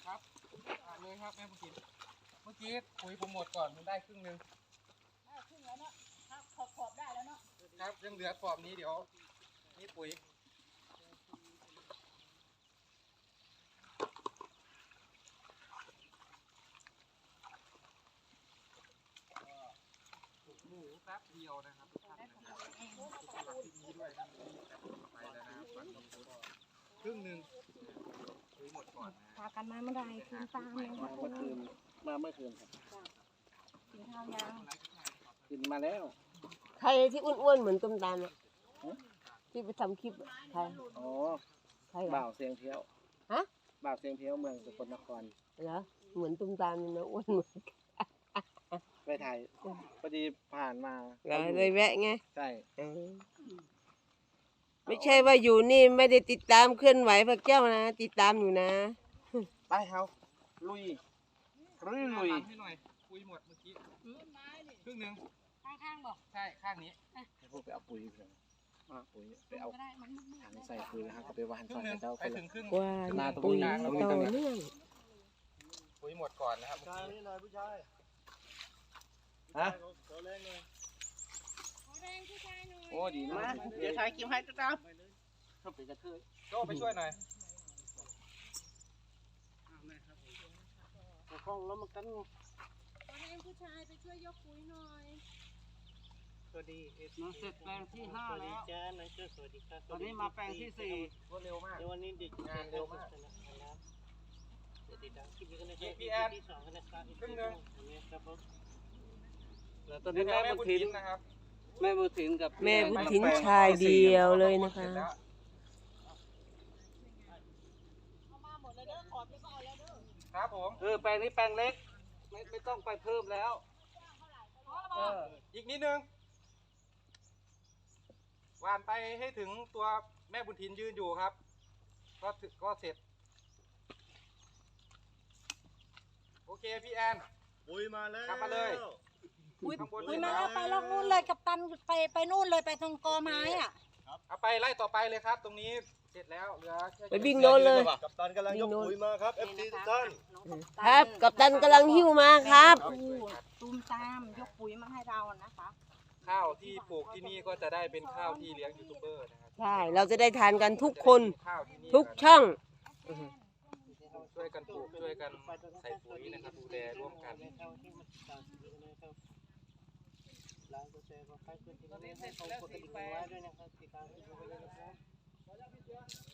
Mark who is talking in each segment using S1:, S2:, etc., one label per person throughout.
S1: ครับเลยครับแม่บุญถิ่นเมื่อกี้ปุ๋ยผมหมดก่อนมันได้ครึ่งนึง
S2: ได้ครึ่งแล้วเนาะขอบได้แล้วเนาะ
S1: ครับยังเหลือขอบนี้เดี๋ยวนี่ปุ๋ยหมูแป๊บเดียวนะครับทุกท่านนะครับที่นี้ด้วยนะไปแล้วนะครับฝั่งนี้ครึ่งนึงปุ๋ยหมดก่อนนะ
S2: พากันมาเมื่อไรคืนตามเลยค่ะ
S3: เมื่อคืนมาเมื่อคืนครับ
S2: กินข้าวยัง
S3: กินมาแล้ว
S4: ใครที่อ้วนๆเหมือนตุ้มตามอ่ะที่ไปทำคลิปอะใคร
S3: อ๋อ
S4: ใคร
S3: บ่าวเสียงเพี้ยว
S4: ฮะ
S3: บ่าวเสียงเพี้ยวเมืองสกลนคร
S4: เหรอเหมือนตุ้มตามเลยนะอ้วนเหมือน
S3: ไปถ่ายพอดีผ่านมา
S4: เลยแวะไง
S3: ใช่
S4: ไม่ใช่ว่าอยู่นี่ไม่ได้ติดตามเคลื่อนไหวพระเจ้านะติดตามอยู่นะ
S3: ไปเฮาลุยลุย
S1: ห
S3: ลุย
S1: ลังให้หน่อยปุ๋ยหมดเมื่อกี้ครึ่งนึง
S2: ข้างๆบอก
S1: ใช่ข้างนี้
S3: ให้พวกไปเอาปุ๋ยไปเลยปุ๋ยไปเอา
S2: ก็ได้มันมืด
S3: ถังใส่ปุ๋ยนะครับก็ไปวาน
S1: ครึ่
S3: ใส่
S1: งนึง
S3: เจ้า
S1: ไป
S3: คน
S1: ถึ
S3: ละ
S1: งครึ่ง
S4: ว่า
S3: หน้าตรง
S4: ปุ๋ย
S3: นี้
S4: ต่อเนื่อง
S1: ปุ๋ยหมดก่อนนะครับ
S3: นี่หน่อยผู้ชายฮะ
S2: ขอแรงผู้ชายหน่อย
S3: โอ้ดีนะเดี๋ยวถ่ายคลิปให้ตุ๊กตาชอบเป็นกระเทย
S1: โจ้ไปช่วยหน่อย
S3: กล้องแล้วมันกัน
S2: ขอแรงผู้ชายไปช่วยยกปุ๋ยหน่อย
S3: สวัสดีเอฟ
S5: เราเสร็จแปลงที่5แล้ว
S3: จ้าน้องเจ้าสวัสดีครับ
S5: ตอนนี้มาแปลงที่4
S1: รวดเร็วมาก
S3: เดี๋ยววันนี้เด็ก
S1: งานเร็วมาก
S3: ติดตามคลิปนี้กันนะครับ
S1: พี่แอน
S3: ที่2กันนะครับ
S1: ครึ่งนึง
S3: ครับผม
S5: แล้วตอนนี้แม่
S1: แม่
S5: บุ
S1: บุ
S5: ญ
S1: ญ
S5: ถิ
S1: ถิ
S5: น
S1: นนะครับ
S5: แม่บุญถินกับ
S4: แม่บุญถินชายเดียวเลยนะคะ
S2: เอามาหมดเลยเด้อขอบที่ก็เอาแล้วเด้อ
S1: ครับผม
S5: แปลงนี้แปลงเล็กไม่ต้องไปเพิ่มแล้วเออ
S1: อีกนิดนึงวานไปให้ถึงตัวแม่บุญถินยืนอยู่ครับก็เสร็จโอเคพี่แอน
S3: ปุ๋ยมาแล้ว
S1: กลับมาเลย
S2: ปุ๋ย
S1: ข้างบน
S2: ปุ๋ยมาแล้วไปลอกนู่นเลยกับตันไปนู่นเลยไปตรงกอไม้อ่ะ
S1: เอาไปไล่ต่อไปเลยครับ ตรงนี้เสร็จแล้วเหลือแค่
S4: ไปวิ่งโน่นเลย
S3: กับตันกำลังยกปุ๋ยมาครับ FC ทุกท่าน
S4: ครับกัปตันกำลังหิ้วมาครับ
S2: ตูมตามยกปุ๋ยมาให้เรานะคะ
S1: ข้าวที่ปลูกที่นี่ก็จะได้เป็นข้าวที่เลี้ยงยูทูบเบอร์นะครับ
S4: ใช่เราจะได้ทานกันทุกคน
S1: ข้าวที่นี่
S4: ทุกช่อง
S1: ช่วยกันปลูกช่วยกันใส่ปุ๋ยนะครับดูแลร่วมกัน
S3: ไลค์กดแชร์กดไลค์กดติดตามให้ผมกดกระดิ่งไว้ด้วยนะครับติดตามให้ผมด้วยนะครับ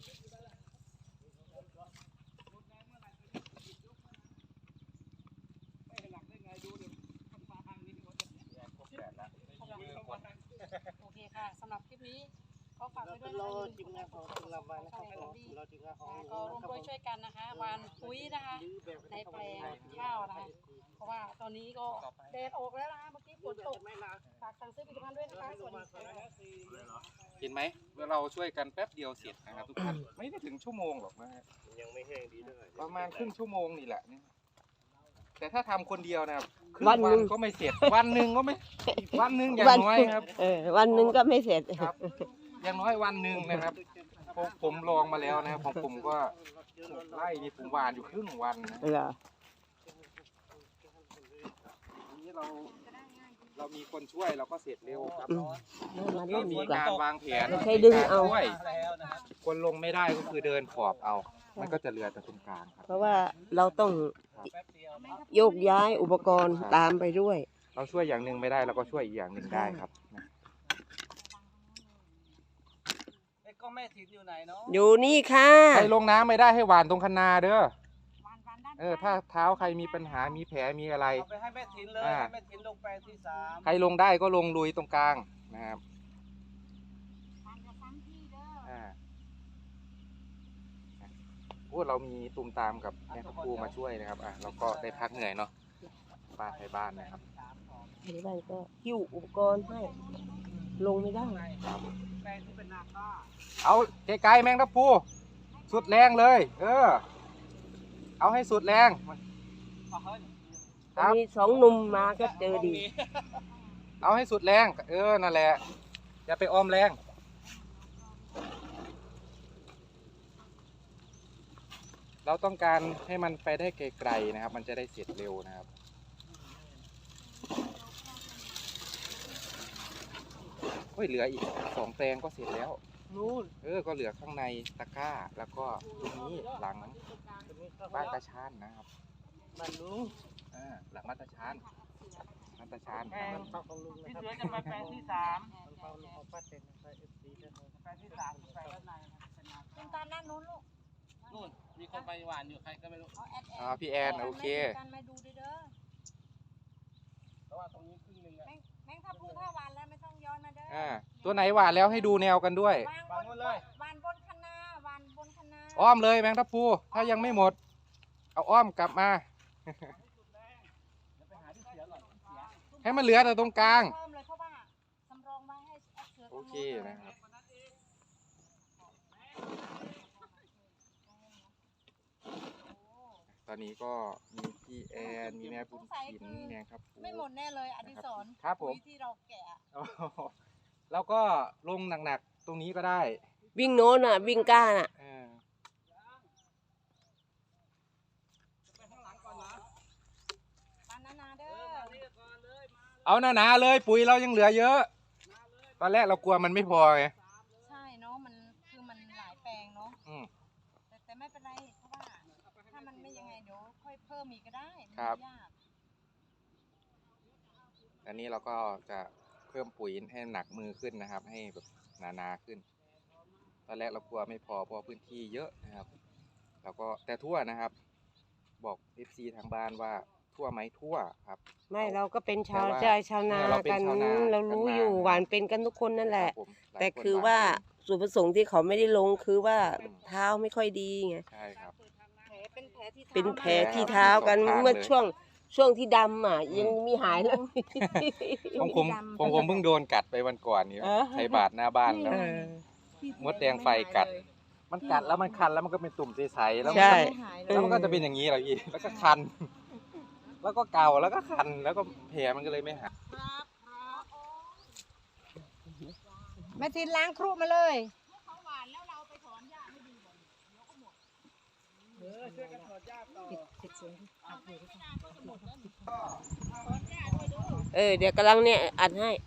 S2: โอเคค่ะสำหรับคลิปนี้ก็ฝาก
S3: เรา
S2: ไว้ด้
S3: เป็
S2: วน ย
S3: ร
S2: นะ
S3: อทีมงานของคุณลำบากนะครับเราทีมงานของ
S2: ก็ร่วมด้วยช่วยกันนะคะหวานปุ๋ยนะคะในแปลงข้าวนะคะเพราะว่าตอนนี้ก็แดดออกแล้วนะคะเมื่อกี้ฝนตกฝากสั่งซื้อผลิตภัณฑ์ด้วยนะคะสวัสดีค่ะ
S1: เห็นไหมเราช่วยกันแป๊บเดียวเสร็จนะครับทุกท่านไม่ได้ถึงชั่วโมงหรอกนะฮะ
S3: ยังไม่แห้งดีด้วย
S1: ประมาณครึ่งชั่วโมงนี่แหละเนี่ยแต่ถ้าทำคนเดียวนะครับครึ่ง
S4: วันหนึ่ง
S1: ก็ไม่เสร็จวันหนึ่งก็ไม่วันหนึ่งอย่างน้อยครับ
S4: วันหนึ่งก็ไม่เสร็จ
S1: ครับ อย่างน้อยวันหนึ่งนะครับผมลองมาแล้วนะครับของผมก็ไล่นี่ผมหวานอยู่ครึ่งวันนะ
S4: เหรอ
S1: นี่เรามีคนช่วยเราก็เสร็จเร็วครับ
S4: มา
S1: เรา
S4: เล่น
S1: มี
S4: ดีกว่า
S1: การวางแผน
S4: ไม่ใช่ดึงเอา
S1: ช่วย
S5: แล้วนะครับ
S1: คนลงไม่ได้ก็คือเดินขอบเอา มันก็จะเหลือแต่ตรงกลางครับ
S4: เพราะว่าเราต้อง
S5: แป๊บเดียว
S4: โยกย้ายอุปกรณ์ตามไปด้วย
S1: เราช่วยอย่างหนึ่งไม่ได้เราก็ช่วยอีกอย่างหนึ่งได้ครับ
S5: ไอ้ก็แม่ถินอยู่ไหนเนาะ
S4: อยู่นี่ค่ะ
S1: ใครลงน้ำไม่ได้ให้หวานตรงคันนาเด้อ
S2: วันด้าน
S1: ถ้าเท้าใครมีปัญหามีแผลมีอะไร
S5: เอาไปให้แม่ถินเลย
S1: อ่า
S5: ให้แม่ถินลงแปลงที่3
S1: ใครลงได้ก็ลงลุยตรงกลางนะครับ
S2: วันจะซ้ำที่เด้อ
S1: พูดเรามีตุ่มตามกับแม่ทัพพูมาช่วยนะครับเราก็ได้พักเหนื่อยเนาะบ้านไทยบ้านนะครับ
S4: ที่บ้านก็หิ้วอุปกรณ์ให้ ลงไม่ได้
S5: แปลงที่เป็นนาข้า
S1: เอาไกลๆแมงทัพพูสุดแรงเลย เอาให้สุดแรง
S5: เอาเฮ้ย
S1: ครับ
S4: มีสองหนุ่มมาก็เจอดี
S1: เอาให้สุดแรงนั่นแหละอย่าไปอ้อมแรงเราต้องการให้มันไปได้ไกลๆนะครับ มันจะได้เสร็จเร็วนะครับโอ้ยเหลืออีก2 แปลงก็เสร็จแล้ว
S3: นู่น
S1: ก็เหลือข้างในตะกร้าแล้วก็ตรงนี้หลังบ้านตาชานนะครับ
S3: บ้านลุง
S1: หลังบ้านตาชานบ้านตาชาน
S3: แปลงของลุงนะ
S5: พี่
S3: ครับ
S5: เสือจะไปแปลงที่3
S3: ของลุงของป้าเต็นนะครับ FC ท่าน
S5: แปลงที่3แปลงด้านในนะครับเป็นนา
S2: คุณตาด้านนู้นลูก
S5: นู่นมีคนไปหวานอยู่ใครก็ไม่รู้
S2: เอาแอด
S1: พี่แอนโอเค
S2: กันมาดูเด้อ
S5: เพราะว่าตรงนี้ครึ่งหนึงอะ
S2: แมงทับพลูถ้าหวานแล้วไม่ต้องย้อนมาเด้อ
S1: ตัวไหนหวานแล้วให้ดูแนวกันด้วย
S2: วางบนเลยหวานบนคะนาหวานบนคะนา
S1: อ้อมเลยแมงทับพลูถ้ายังไม่หมด เอาอ้อมกลับมา ให้มันเหลือแต่ตรงกลาง
S2: เพิ่มเลยเพราะว่าสำรองไว้ให้แอดเสือ
S1: โอเคนะครับ ตอนนี้ก็มีพี่แอนมีแม่บุญถินแมงครับพลู
S2: ไม่หมดแน่เลยอดิศร
S1: ครับผม
S2: ปุ๋ยที่เราแกะ
S1: แล้วก็ลงหนักๆตรงนี้ก็ได้
S4: วิ่งโน้นอ่ะ วิ่งก้าน่ะ
S2: ปานนาเด้อ
S1: เอาหนาๆเลยปุ๋ยเรายังเหลือเยอะ ตอนแรกเรากลัวมันไม่พอไง
S2: ใช่เนาะมันคือมันหลายแปลงเนาะ
S1: อืม
S2: แต่ไม่เป็นไรเพราะว่าถ้ามันไม่ยังไงเดี๋ยวค่อยเพิ่มอีกก็ได้มัน
S1: ครับ
S2: ไม่ยาก
S1: อันนี้เราก็จะเพิ่มปุ๋ยให้หนักมือขึ้นนะครับ ให้แบบหนาๆขึ้น ตอนแรกเรากลัวไม่พอเพราะพื้นที่เยอะนะครับแล้วก็แต่ทั่วนะครับ บอก FC ทางบ้านว่าทั่วไหมทั่วครับ
S4: ไม่เราก็เป็นชาว
S1: แต่ว่า
S4: ใจชาวนา
S1: เราเป็น
S4: กัน
S1: ชาวนา
S4: เรารู้อยู่
S1: กันมา
S4: หวานเป็นกันทุกคนนั่นแหละ
S1: ครับผมหลาย
S4: แต่
S1: น
S4: คือ
S1: หน
S4: ว่า
S1: เป็น
S4: ส่วนประสงค์ที่เขาไม่ได้ลงคือว่าเท้าไม่ค่อยดีไง
S1: ใช่ครับ
S2: แผลเป็นแผลที่
S4: เป็น
S2: ท้า
S4: แผลที่เท้ากัน
S1: สองข้าง
S4: เมื่อ
S1: เลย
S4: ช่วงที่ดำอ่ะ ยังมีหายเลย
S1: ผมเพิ่งโดนกัดไปวันก่อนนี้
S4: เออ
S1: ไทยบาทหน้าบ้านแล้ว
S4: เออ
S1: มดแดงไฟกัด มันกัดแล้วมันคันแล้วมันก็เป็นตุ่มใสๆแล้วมัน
S4: ใช่
S1: ก็แล้วมันก็จะเป็นอย่างนี้แหละพี่แล้วก็คัน แล้วก็เกาแล้วก็คันแล้วก็แผลมันก็เลยไม่หาย
S2: แม่ทินล้างครุมาเลย
S4: เดี๋ยวกำลังเนี่ยอัดให้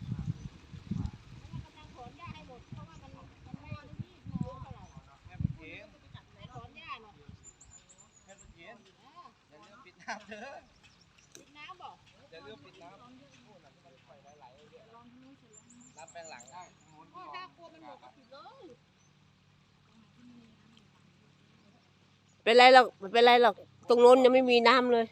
S4: เป็นไรหรอกไม่เป็นไรหรอก ตรงโน้นยังไม่มีน้ำเลย